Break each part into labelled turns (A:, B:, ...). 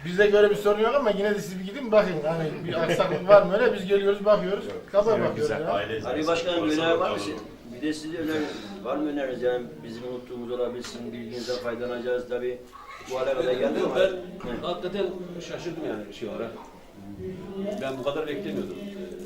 A: Bizde göre bir sorun yok ama yine de siz bir gidin bakın. Hani bir aksaklık var mı öyle biz geliyoruz bakıyoruz. Kaba bakıyoruz ya.
B: Ali Başkanım bir öneri var mı? Bir de size var mı öneriniz yani bizim unuttuğumuz olabilsin, bilginizden faydalanacağız tabii. Bu hale kadar geldi mi?
C: Ben hakikaten şaşırdım yani şey olarak. Ben bu kadar beklemiyordum.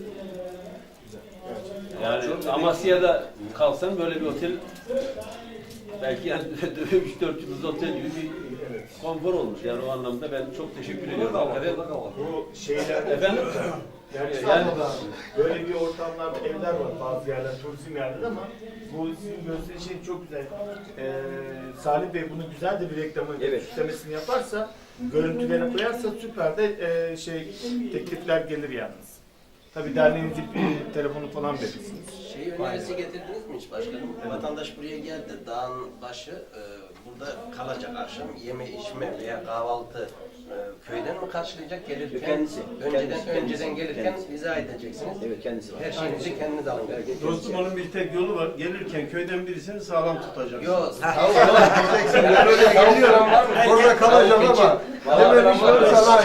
C: Yani Amasya'da kalsam böyle bir otel belki yani 3-4 yıldız otel gibi bir konfor olmuş. Yani o anlamda ben çok teşekkür ediyorum. Hakikaten
D: Bu şeyler
C: efendim
D: yani İstanbul'da böyle bir ortamlarda evler var bazı yerler, turizm yerler ama bu sizin gösteri şey çok güzel. Salih Bey bunu güzel de bir reklamı, süslemesini yaparsa, görüntülerini koyarsa süper de teklifler gelir yalnız. Tabii derneğinizin telefonu falan verirsiniz.
E: Şey önerisi getirdiniz mi hiç başkanım? Vatandaş buraya geldi, dağın başı, burada kalacak akşam, yeme içme veya kahvaltı köyden mi karşılayacak gelirken?
B: Kendisi.
E: Önceden gelirken izah edeceksiniz.
B: Evet kendisi var.
E: Her şeyinizi kendiniz alın.
F: Dostum onun bir tek yolu var. Gelirken köyden birisini sağlam tutacak.
E: Yok.
F: Ben öyle geliyorum. Orada kalacağım ama. Dememişler sana.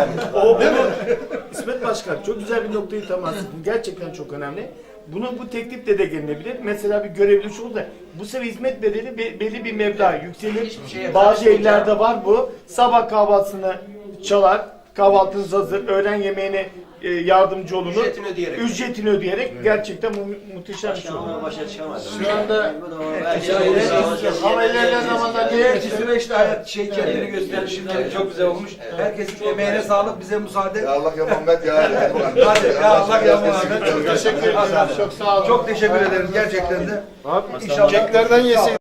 D: İsmet Başkan çok güzel bir noktayı temas etti. Gerçekten çok önemli. Bu teklifle de gelinebilir. Mesela bir görevli şu oldu. Bu sefer hizmet bedeli belli bir meblağ yükselir.
E: Hiçbir şeye
D: Bazı
E: karışmayacağım.
D: evlerde var bu. Sabah kahvaltısını çalar. Kahvaltınız hazır. Öğlen yemeğine yardımcı olunur.
E: Ücretini ödeyerek.
D: Gerçekten muhteşem bir şey oldu.
B: Başkanımla başa çıkamadım.
A: Şu anda
B: Ama
A: ilerleyen zamanda
G: Diğer süreçte hayat kendini gösterir. Şimdi çok güzel olmuş. Herkesin emeğine sağlık, bize müsaade.
H: Ya Allah ya Muhammed ya.
G: Hadi ya Allah ya Muhammed.
A: teşekkür ederim. Çok sağ olun.
G: Çok teşekkür ederim gerçekten de.
A: İnşallah. Keklerden yesin.